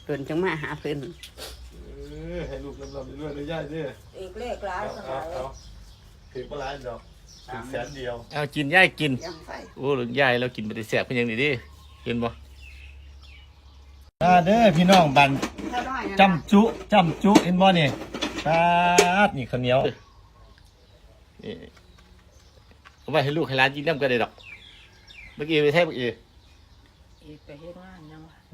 เพิ่นจังมาหาเพิ่นให้ลูกลำๆเรื่อยๆเลยย่ายเด้ออีกเลขร้ายสมัยถือปลาร้ายดอกถึงแสนเดียวเอากินย่ายกินยังไฟโอ้หรือยายเรากินไปได้แสบเพิ่นยังนี่ดิเห็นบ่เด้อพี่น้องบันจำจุเห็นบ่นี่ปาดนี่ข้าวเหนียวเอาไว้ให้ลูกให้หลานกินน้ำก็ได้ดอกเมื่อกี้ไปแทบเมื่อกี้ไปเฮ็ดงานยังวะ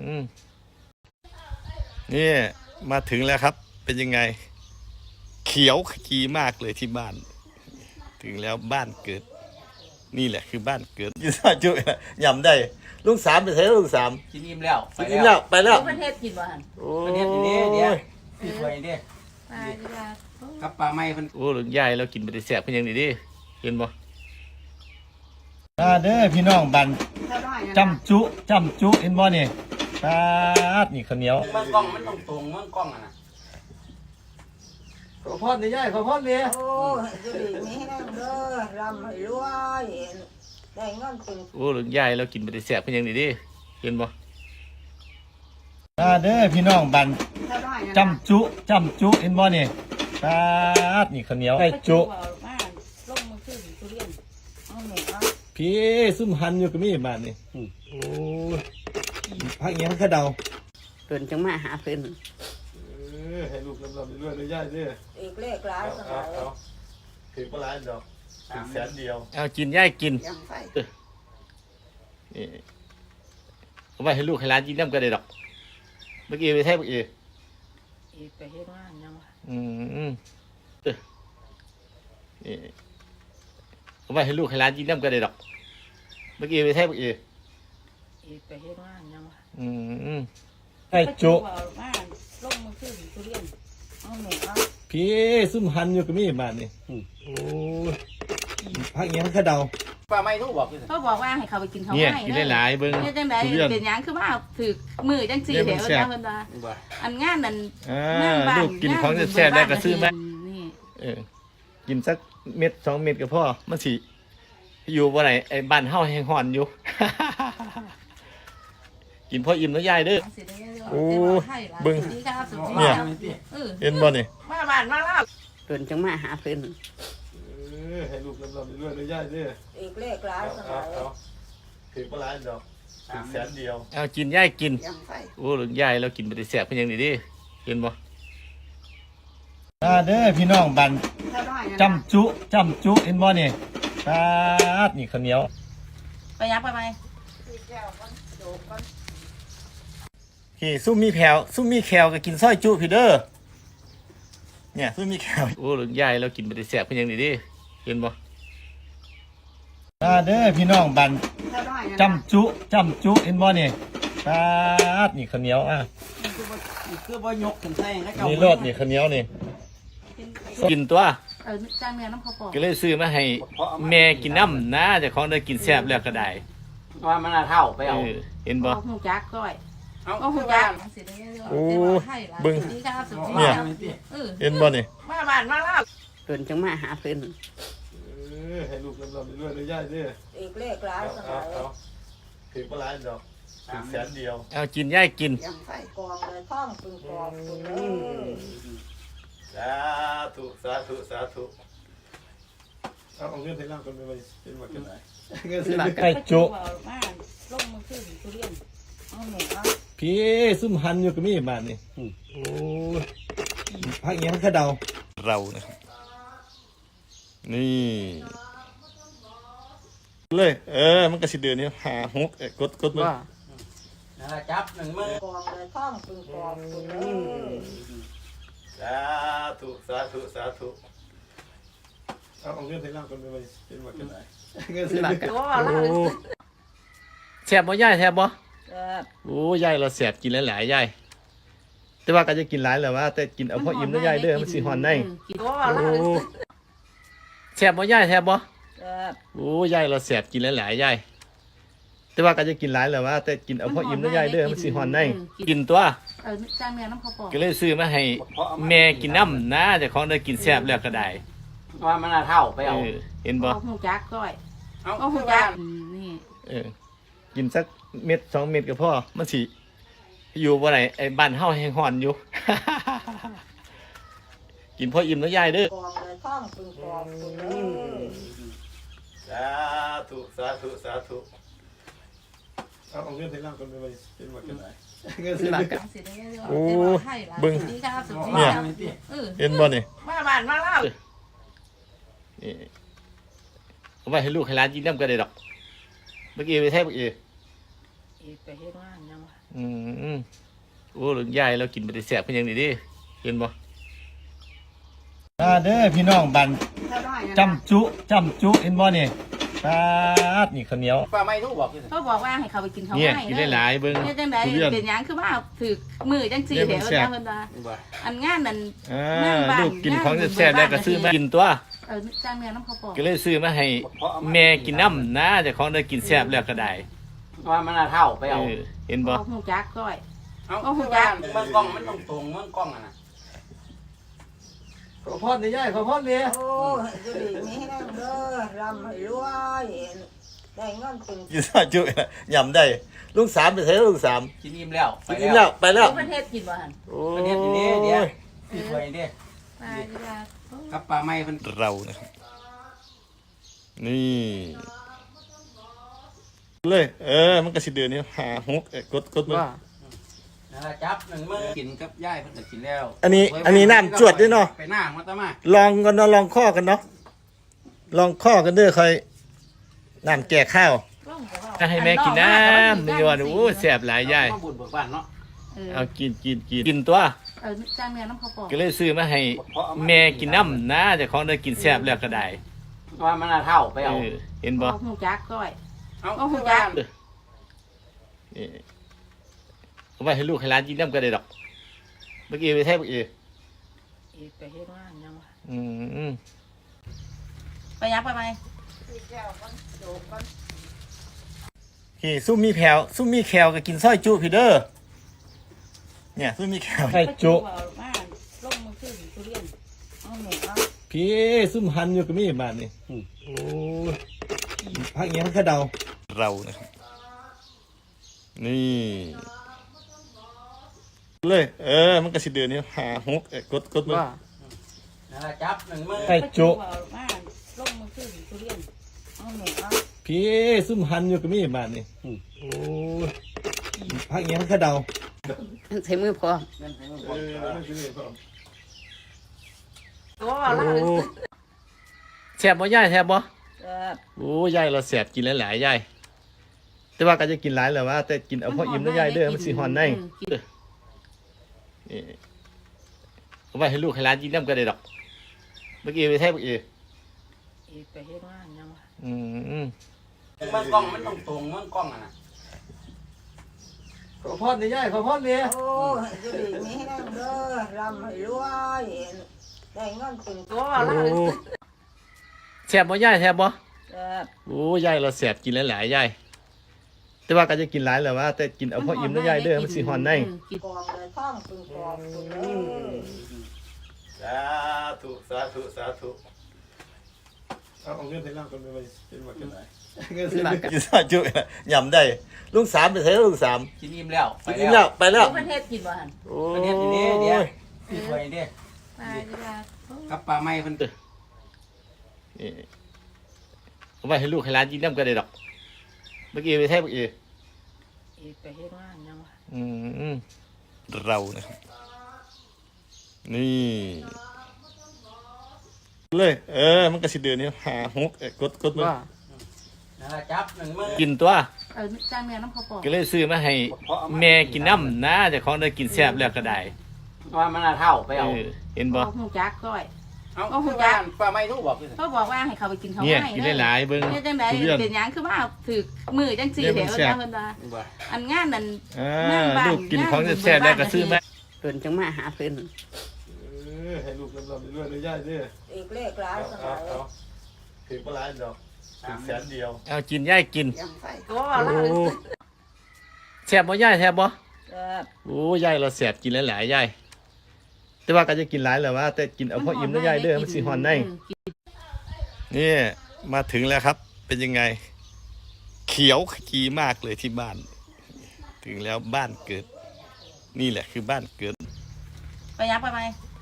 นี่มาถึงแล้วครับเป็นยังไงเขียวขจีมากเลยที่บ้านถึงแล้วบ้านเกิดนี่แหละคือบ้านเกิดกินซอยจุยำได้ลุงสามไปใช้ลุงสามกินอิ่มแล้วกินอิ่มแล้วไปแล้วประเทศกินบ่หั่นโอ้ประเทศนี้เดี๋ยวพี่ถวยเด้ไปดีกว่ากับปลาไม้เพิ่นโอ้หรือยายเรากินไปได้แสบเพิ่นยังนี่ดิเห็นบ่เด้อพี่น้องบันจำจุเห็นบ่นี่ปาดนี่ข้าวเหนียวมันกล้องมันต้องตรงมันกล้องอ่ะนะขอพรนี่ย่ายขอพรนี่โอ้จะดีมีแห้งเด้อรำให้รวยได้เงินเป็นโอ้หรือยายเรากินไปได้แสบเพิ่นยังนี่ดิเห็นบ่เด้อพี่น้องบันจำจุเห็นบ่นี่ปาดนี่ข้าวเหนียวไอ้จุลงมือขึ้นทุเรียนเอาหมูเอาพี่ซุ่มหันอยู่ก็มีบ้านนี่โอ้พักเงี้ยพักกระเดาเพิ่นจังมาหาเพิ่นให้ลูกลำๆเรื่อยๆเลยย่ายเด้ออีกเลขร้ายสมัยถือปลาร้ายดอกถึงแสนเดียวเอากินย่ายกินยังไฟเอาไว้ให้ลูกให้หลานกินน้ำก็ได้ดอกเมื่อกี้ไปแทบเมื่อกี้ไปเฮ็ดงานยังวะเอาไว้ให้ลูกให้หลานกินน้ำก็ได้ดอกเมื่อกี้ไปแทบเมื่อกี้ไปเฮ็ดงานยังวะไอ้จุลงมือขึ้นทุเรียนเอาหมูเอาพี่ซุ่มหันอยู่ก็มีบ้านนี่โอ้พักเงี้ยพักกระเดาปลาไม้ทุกบอกเขาบอกว่าให้เขาไปกินเขาเนี่ยกินหลายๆเบิ่งจังได๋เป็นหยังคือว่าถือมือจังซี่เด้อเพิ่นว่าอันงานนั่นลูกกินของแซ่บได้ก็ซื้อมากินสักเม็ด2 เม็ดก็พอมันสิอยู่บ่ไหนไอ้บ้านเฮาแห้งฮ้อนอยู่กินพออิ่มแล้วยายเด้อโอ้เบิ่งเนี่ยเห็นบ่นี่มาบ้านมาแล้วเพิ่นจังมาหาเพิ่นให้ลูกลำๆเรื่อยๆเลยย่ายเด้ออีกเลขร้ายสมัยถือปลาร้ายดอกถึงแสนเดียวเอากินย่ายกินยังไฟโอ้หรือยายเรากินไปได้แสบเพิ่นยังนี่ดิเห็นบ่เด้อพี่น้องบันจำจุเห็นบ่นี่ปาดนี่ข้าวเหนียวไปยักไปไหมพี่ซุ่มมีแผวซุ่มมีแขวก็กินซอยจุพี่เด้อเนี่ยซุ่มมีแขวโอ้หรือยายเรากินไปได้แสบเพิ่นยังนี่ดิเห็นบ่เด้อพี่น้องบันจำจุเห็นบ่นี่ปาดนี่ข้าวเหนียวคือบ่ยกขึ้นใส่แล้วก็นี่รสนี่ข้าวเหนียวนี่กินตัวจ้างเมียน้ำข้าวปอกก็เลยซื้อมาให้แม่กินน้ำนะเจ้าของได้กินแซ่บแล้วก็ได้ว่ามันเท่าไปเอาเห็นบ่หูจักก้อยเอาหูจักโอ้เบิ่งเนี่ยเห็นบ่นี่มาบ้านมาแล้วเพิ่นจังมาหาเพิ่นให้ลูกลำๆเรื่อยๆเลยย่ายเด้ออีกเลขร้ายสมัยถือปลาร้ายดอกถึงแสนเดียวเอากินย่ายกินยังไฟกองเลยท่องเป็นกองสาธุเอาเงินไปล่างกันไปเป็นหมดกันไหนเงินซื้อไก่จุลงมือขึ้นทุเรียนเอาหมูเอาพี่ซุ่มหันอยู่ก็มีบ้านนี่โอ้พักเงี้ยพักกระเดาเรานะครับนี่เลยมันก็สิเดือนนี้5 6กดว่านั่นแหละจับ1 มือกองเลยท่องเป็นกองสาธุเอาเงินไปล่างกันไปเป็นหมดกันไหนเงินซื้อแซ่บบ่ยายแซ่บบ่โอ้ยายเราแซ่บกินหลายๆยายแต่ว่าก็จะกินหลายแหละว่าแต่กินเอาพออิ่มแล้วยายเด้อมันสิฮ้อนได้แซ่บบ่ยายแซ่บบ่โอ้ยายเราแซ่บกินหลายๆยายแต่ว่าก็จะกินหลายแหละว่าแต่กินเอาพออิ่มแล้วยายเด้อมันสิฮ้อนได้กินตัวจ้างเมียน้ำข้าวปอกก็เลยซื้อมาให้แม่กินน้ำนะเจ้าของได้กินแซ่บแล้วก็ได้ว่ามันเท่าไปเอาเห็นบ่หูจักก้อยเอาหูจักนี่กินสักเม็ด2 เม็ดก็พอมันสิอยู่บ่ไหนไอ้บ้านเฮาแห้งฮ้อนอยู่ กินพออิ่มแล้วยายเด้อกองเลยท่องปึงกองปึงเลยสาธุสาธุสาธุเอาเงินให้เราคนเป็นมากันไหนเงินซื้อโอ้เบิ่งเนี่ยเห็นบ่นี่มาบ้านมาเล่านี่เอาไว้ให้ลูกให้หลานกินน้ำก็ได้ดอกเมื่อกี้ไปแท้เมื่อกี้ไปเฮ็ดงานยังวะโอ้หลุงยายเรากินไปได้แซ่บเพิ่นยังนี่ดิเห็นบ่เด้อพี่น้องบันจำจุเห็นบ่นี่ปาดนี่ข้าวเหนียวป้าไม่รู้บอกคือเขาบอกว่าให้เขาไปกินข้าวเนี่ยไม้กินได้หลายเบิ่งเนี่ยจังไดทุเรียนเป็นหยังคือว่าถือมือจังสี่เดี๋เดี๋ยยว วมันแซ่บเพิ่นว่าบ่อันงานนั่นลูกกินของแซ่บๆแล้วก็ซื้อมากินตัวจ้างเนื้อน้ำข้าวปอกก็เลยซื้อมาให้แม่กินน้ำนะเจ้าของได้กินแซ่บแล้วก็ได้ว่ามันน่าเท่าไปเอาเห็นบ่เอาหูจักก้อยเอาคือว่าเมืองกล้องมันต้องตรงเมืองกล้องอ่ะนะขอพรนี่ยายขอพรนี่โอ้ยจะดีมีให้นั่งเด้อรำให้รวยได้เงินเป็นกินซอยจุยำได้ลุงสามไปใช้ลุงสามกินอิ่มแล้วกินแล้วไปแล้วประเทศกินบ่หันโอ้ประเทศนี้เดี๋ยวพี่ถวยเด้ไปดีกว่ากับป้าไม่เพิ่นเรานะครับนี่เลยมันก็สิเดือนนี้หาฮกกดมือว่านั่นล่ะจับหนึ่งมือกินกับยายเพิ่นก็กินแล้วอันนี้น้ำจวดด้วยเนาะไปหน้ามาตะมาลองกันเนาะลองข้อกันเนาะลองข้อกันเด้อใครน้ำแก่ข้าวถ้าให้แม่กินน้ำไม่ยอมโอ้แสบหลายยายมาบุญเบิกบ้านเนาะเอากินตัวจ้างเนื้อน้ำข้าวปอกก็เลยซื้อมาให้แม่กินน้ำนะเจ้าของได้กินแซ่บแล้วก็ได้ว่ามันน่าเท่าไปเอาเห็นบ่เอาหูจักก้อยเอาคือว่าเอาไว้ให้ลูกให้หลานกินน้ำก็ได้ดอกเมื่อกี้ไปแท้เมื่อกี้ไปเฮ็ดงานยังวะไปยักไปไหมพี่ซุ่มมีแผวซุ่มมีแขวก็กินซอยจุพี่เด้อเนี่ยซุ่มมีแขวซอยจุมาลงมือขึ้นทุเรียนเอาหมูเอาพี่ซุ่มหันอยู่ก็มีบ้านนี่โอ้พักเงี้ยพักกระเดาเรานะครับนี่เลยมันก็สิเดือนนี้หาฮกกดมือว่านั่นล่ะจับหนึ่งมือไก่จุมาลงมือขึ้นทุเรียนเอาหมูเอาพี่ซุ่มหันอยู่ก็มีบ้านนี่โอ้พักเงี้ยพักกระเดาใช้มือพอนั่นให้มันเออไม่ซื้อพร้อมโอ้ล่าแซ่บบ่ยายแซ่บบ่เออโอ้ยายเราแซ่บกินหลายๆยายแต่ว่าก็จะกินหลายแหละว่าแต่กินเอาพออิ่มแล้วยายเด้อมันสิฮอนได้นี่เอาไว้ให้ลูกให้หลานกินน้ำก็ได้ดอกเมื่อกี้ไปแท้เมื่อกี้ไปเฮ็ดงานยังวะเมืองกล้องมันต้องตรงเมืองกล้องอ่ะนะขอพรนี่ยายขอพรนี่โอ้ยจะดีมีให้นั่งเด้อรำให้รวยได้เงินเป็นโอ้ล่าแซ่บบ่ยายแซ่บบ่เออโอ้ยายเราแซ่บกินหลายๆยายแต่ว่าก็จะกินหลายแหละว่าแต่กินเอาพออิ่มแล้วยายเด้อมันสิฮอนได้กองเลยท่องปึงกองปึงเลยสาธุสาธุสาธุเอาเงินให้เราคนเป็นมากันไหนเงินซื้อกินซอยจุยำได้ลุงสามไปใช้ลุงสามกินอิ่มแล้วกินแล้วไปแล้วประเทศกินบ่หันโอ้ประเทศนี้เดี๋ยวพี่ถวยเด้ไปดีกว่ากับป้าไม่เพิ่นนี่เอาไว้ให้ลูกให้หลานกินน้ำก็ได้ดอกเมื่อกี้ไปแท้เมื่อกี้ไปเฮ็ดงานยังวะเรานะครับนี่เลยมันก็สิเดือนนี้หาฮกกดมือว่านั่นล่ะจับหนึ่งมือกินตัวจ้างเนื้อน้ำข้าวปอกก็เลยซื้อมาให้แม่กินน้ำนะเจ้าของได้กินแซ่บแล้วก็ได้ว่ามันน่าเท่าไปเอาเห็นบ่เอาหูจักก้อยเอาคือว่าป้าไม่รู้บอกคือเขาบอกว่าให้เขาไปกินข้าวเนี่ยไม้กินได้หลายเบิ่งเนี่ยจังไดทุเรียนเป็นหยังคือว่าถือมือจังสี่เดี๋เดี๋ยยว วมันแซ่บเพิ่นว่าบ่อันงานนั่นลูกกินของแซ่บๆแล้วก็ซื้อมาเดินจังมาหาเพิ่นให้ลูกลำๆด้วยเลยยายเด้ออีกเลขหลายสมัยถึงปลายดอก100,000เดียวเอากินย่ายกินโอ้โอ้ล่าแซ่บบ่ย่ายแซ่บบ่เออโอ้ยายเราแซ่บกินหลายๆยายแต่ว่าก็จะกินหลายแหละว่าแต่กินเอาพออิ่มแล้วยายเด้อมันสิฮอนได้นี่มาถึงแล้วครับ เป็นยังไง เขียวขจีมากเลยที่บ้าน ถึงแล้วบ้านเกิดนี่แหละคือบ้านเกิดไปยับไปไหม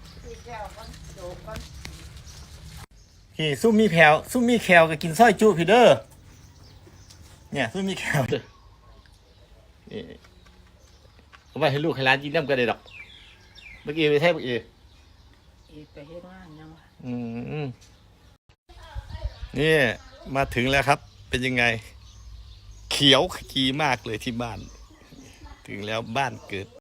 พี่ซุ่มมีแผวซุ่มมีแควก็กินสร้อยจุพี่เด้อเนี่ยซุ่มมีแควนี่เอาไปให้ลูกให้ร้านกินน้ำกันเลยดอกเมื่อกี้ไปแท้เมื่อกี้อีกไปเฮ็ดงานยังวะนี่มาถึงแล้วครับ เป็นยังไง เขียวขจีมากเลยที่บ้าน ถึงแล้วบ้านเกิด